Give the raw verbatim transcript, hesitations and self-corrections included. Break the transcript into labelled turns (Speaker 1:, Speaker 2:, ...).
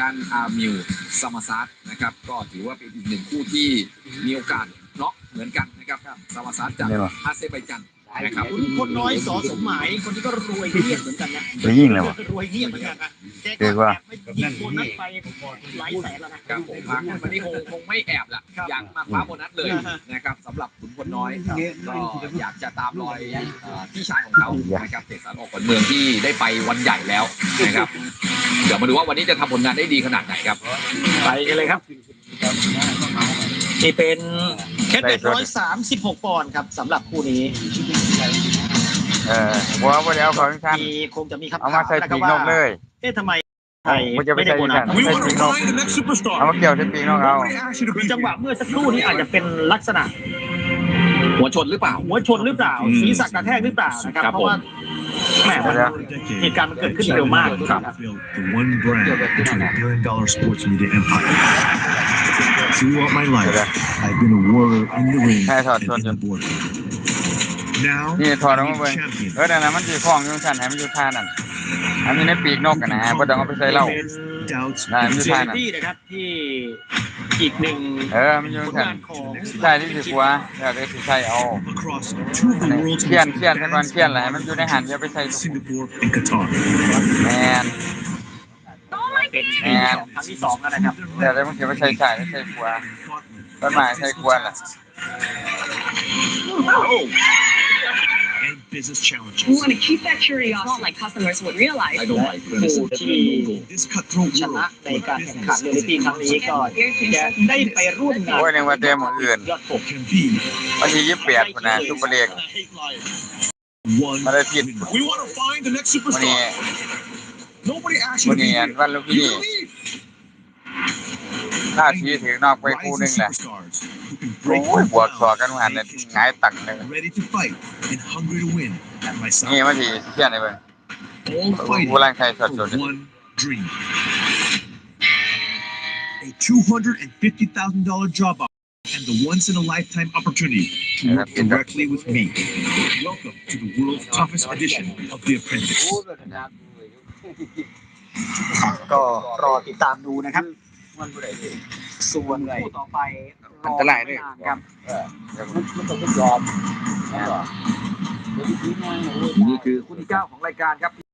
Speaker 1: ด้านอาร์มิวซามาซัสนะครับก็ถือว่าเป็นอีกหนึ่งคู่ที่มีโอกาสน็อกเหมือนกันนะครับซามาซัสจากอาเซอร์ไบจานนะครับ
Speaker 2: คุณคนน้อยสอสมหมายคนที่ก็รวยเงียบเหมือนกันนะ
Speaker 3: ไปยิ่งเลยวะ
Speaker 2: รวยเงียบเหมือนกันนะแกก็แอบไม่ยิงโบนัสไปหลายแสนแล้วนะครับ
Speaker 1: ผมพักวันนี้คงคงไม่แอบละอยากมาคว้าโบนัสเลยนะครับสำหรับขุนพลน้อยก็อยากจะตามรอยพี่ชายของเขานะครับเสกสรรออกขวัญเมืองที่ได้ไปวันใหญ่แล้วนะครับเดี๋ยวมาดูว่าวันนี้จะทำผลงานได้ดีขนาดไหนครับ
Speaker 2: ไปกันเลยครับนี่เป็นแค่เจ็ดร้อยสามสิบหกปอนด์ครับสำหรับคู่นี้
Speaker 3: เออบัวบัวเดียวของท่าน
Speaker 2: มีคงจะมีครับ
Speaker 3: เอามาใส่ปีกนกเลย
Speaker 2: เอ๊ะทำไมไทย
Speaker 3: ไม่ได้โบนัสใส่ปีกนกเอามาเกี่ยวใส่ปีกนกเอา
Speaker 2: คือจังหวะเมื่อสักครู่นี้อาจจะเป็นลักษณะ
Speaker 1: หัวชนหรือเปล่า
Speaker 2: หัวชนหรือเปล่าศีรษะกระแทกหรือเปล่านะครับเพราะว่าแหมเหตุการณ์มันเกิดขึ้นเร็วมากครับ
Speaker 4: Throughout my life, I've been a warrior in the ring and in the border. Now,
Speaker 3: นี่ถอดออกมาเบิ่งเออนั่นน่ะมันสิคล้องอยู่ซั่นให้มันอยู่ท่านั่นอันนี้ในปีกนกกันนะบ่ต้องเอาไปใส่เหล้าได้มันอยู่ท่านั่น
Speaker 2: ที่นะครับที่อีกหนึ่ง
Speaker 3: เออมันอยู่ซั่นใช่ที่สิกว่าแล้วก็สิใส่เอาเขียนเขียนซะก่อนเขียนแหละมันอยู่ในหันอย่าไปใส่แม่น
Speaker 2: เป็นแอนครั้งที่สองแล้วนะครับ
Speaker 3: แต่แล้วมันเก็บไปใส่ใส่ใส่ขวาต้นไม้ใส่ขวาล่ะ
Speaker 4: And business challenge.
Speaker 5: We want to keep that curiosity like customers would realize.
Speaker 2: ผู้ที่ชนะในการแข่งขันในปีครั้งนี้ก็จะได้ไปร่วมงาน
Speaker 3: โอ้ยในวันเต็มอื่นวันที่ยี่สิบแปดคนนะซุปเปอร์เลีกมาได้ผิดวันนี้วันนี้วันลูกพี่ถ้าทีถึงนอกไปคู่นึงแหละโอ้ยบวกสอกันหันเนี่ยง่ายตังเลยนี่มันทีเที่ยนเลยเว้ยกูร่างกายสดสด
Speaker 4: A two hundred fifty thousand dollars job offer and the once in a lifetime opportunity to work directly with me. Welcome to the world's toughest edition of The Apprentice.
Speaker 2: ก็รอติดตามดูนะครับส่วนคู่ต่อไป
Speaker 3: อันตรายด้วย
Speaker 2: ครับ
Speaker 1: นี่คือคู่ที่เก้าของรายการครับ